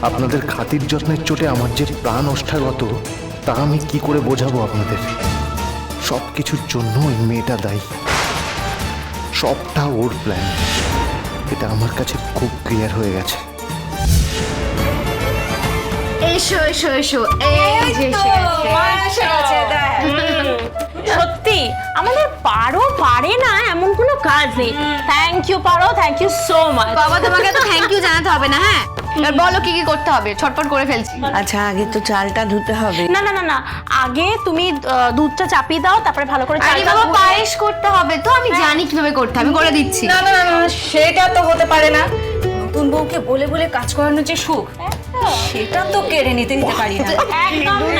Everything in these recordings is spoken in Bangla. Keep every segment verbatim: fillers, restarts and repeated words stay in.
আপনাদের খাতির যত্নের চোটে আমার যে প্রাণ ওষ্ঠাগত তা আমি কি করে বোঝাবো আপনাদের। সব কিছুর জন্য ওই মেয়েটা দায়ী, সবটা ওর প্ল্যান। এটা আমার কাছে খুব ক্লিয়ার হয়ে গেছে। এসো এসো এসো, এই যে এসে গেছে। সত্যি আমাদের পারো পারে না এমন কোনো কাজ নেই। থ্যাংক ইউ পারো, থ্যাংক ইউ সো মাচ। বাবা তোমাকে তো থ্যাংক ইউ জানাতে হবে না। হ্যাঁ, এবার বলো কি কি করতে হবে, ছটপট করে ফেলছি। আচ্ছা, আগে তো চালটা ধুতে হবে। না না না না, আগে তুমি আহ, দুধটা চাপিয়ে দাও, তারপরে ভালো করে আরে চালটা বাবা ধুয়ে- পায়েস করতে হবে তো, আমি জানি কিভাবে করতে হবে, করে দিচ্ছি। না না না না, সেটা তো হতে পারে না। নতুন বউকে বলে বলে কাজ করানোর যে সুখ, সেটা তো কেড়ে নিতে দিতে পারি না। একদম না।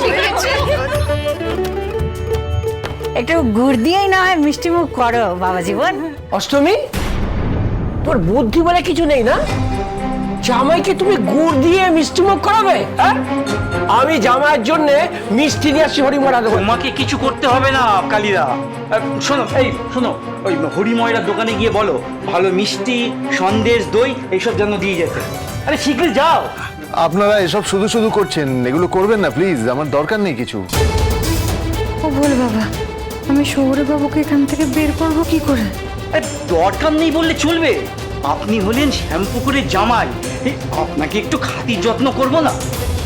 একটু গুড় দিয়েই না হয় মিষ্টি মুখ করো বাবা জীবন। অষ্টমী, তোর বুদ্ধি বলে কিছু নেই না? জামাইকে তুমি গুড় দিয়ে মিষ্টি মুখ করাবে? হ্যাঁ, আমি জামাইয়ের জন্য মিষ্টি নিয়ে আসছি হরিমরা দেবো। তোমাকে কিছু করতে হবে না কালিদা। আহ, শোনো, এই শোনো, ওই হরিময়রার দোকানে গিয়ে বলো ভালো মিষ্টি, সন্দেশ, দই এইসব যেন দিয়ে যেতে। আরে শীঘ্রই যাও। আপনারা এসব শুধু শুধু করছেন, এগুলো করবেন না প্লিজ, আমার দরকার নেই কিছু। ও বল বাবা, আমি শহুরে বাবুকে এখান থেকে বের করবো কি করে? আরে দরকার নেই বললে চলবে? আপনি হলেন শ্যামপুকুরের জামাই, এই আপনাকে একটু খাতির যত্ন করবো না?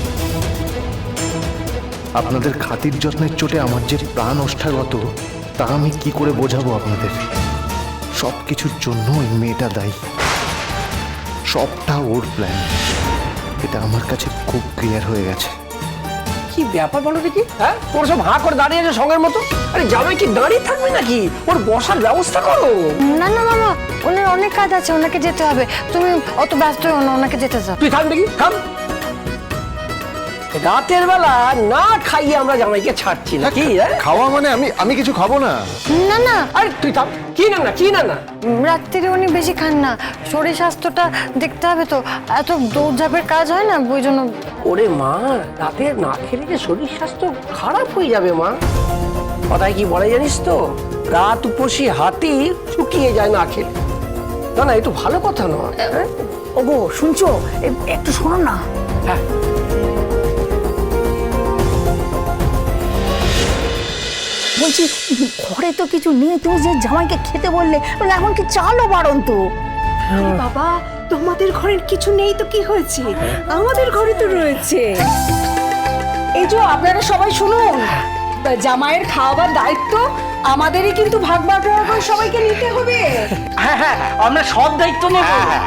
আপনাদের খাতির যত্নের চোটে আমার যে প্রাণ ওষ্ঠাগত তা আমি কি করে বোঝাবো আপনাদের। সব কিছুর জন্য ওই মেয়েটা দায়ী, সবটা ওর প্ল্যান। এটা আমার কাছে খুব ক্লিয়ার হয়ে গেছে। কি ব্যাপার বলো দেখি? হ্যাঁ, তোর সব হাঁ করে দাঁড়িয়ে আছে সঙ্গের মতো। আরে জামাই কি দাঁড়িয়ে থাকবে নাকি? ওর বসার ব্যবস্থা করো। না না মামা, ওনার অনেক কাজ আছে, ওনাকে যেতে হবে। তুমি অত ব্যস্ত হও না, ওনাকে যেতে যাও। তুই থাম দেখি, থাম। রাতের বেলা না খাইয়ে আমরা জামাইকে ছাড়ছি না কি? খাওয়া মানে আমি আমি কিছু খাবো না। না না, আরে তুই থাম। কি না না, কি না না? রাত্রিরে উনি বেশি খান না, শরীর স্বাস্থ্যটা দেখতে হবে তো। এত দৌড়ঝাঁপের কাজ হয় না, ওই জন্য। ওরে মা, রাতে না খেলে যে শরীর স্বাস্থ্য খারাপ হয়ে যাবে মা। কথায় কি বলে জানিস তো, রাত উপসী হাতি শুকিয়ে যায় না খেলে। না না, এ তো ভালো কথা নয়। হ্যাঁ? ওগো শুনছো, এ- একটু শোনো না। হ্যাঁ, বলছি, ঘরে তো কিছু নেই, তুমি যে জামাইকে খেতে বললে, মানে এখন কি চালও বারণ তো। বাবা, তোমাদের ঘরের কিছু নেই তো কি হয়েছে, আমাদের ঘরে তো রয়েছে। এই যে আপনারা সবাই শুনুন, জামাইয়ের খাওয়াবার দায়িত্ব আমাদেরই কিন্তু ভাগ বাটোয়ারা করে সবাইকে নিতে হবে। হ্যাঁ হ্যাঁ, আমরা সব দায়িত্ব নেব।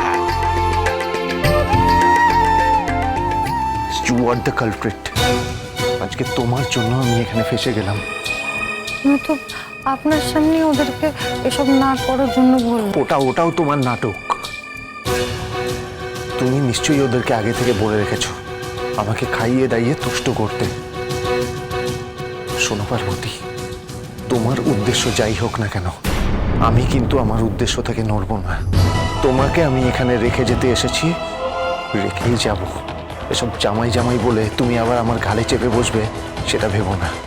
You are the culprit. আজকে তোমার জন্য আমি এখানে ফেসে গেলাম। আমি তো আপনার সামনে ওদেরকে এসব না করার জন্য বলবো। ওটা ওটাও তোমার নাটক। তুমি নিশ্চয়ই ওদেরকে আগে থেকে বলে রেখেছো আমাকে খাইয়ে দাইয়ে তুষ্ট করতে। শোনো পার্বতী, তোমার উদ্দেশ্য যাই হোক না কেন, আমি কিন্তু আমার উদ্দেশ্য থেকে নড়ব না। তোমাকে আমি এখানে রেখে যেতে এসেছি, রেখেই যাব। এসব জামাই জামাই বলে তুমি আবার আমার ঘাড়ে চেপে বসবে, সেটা ভেবো না।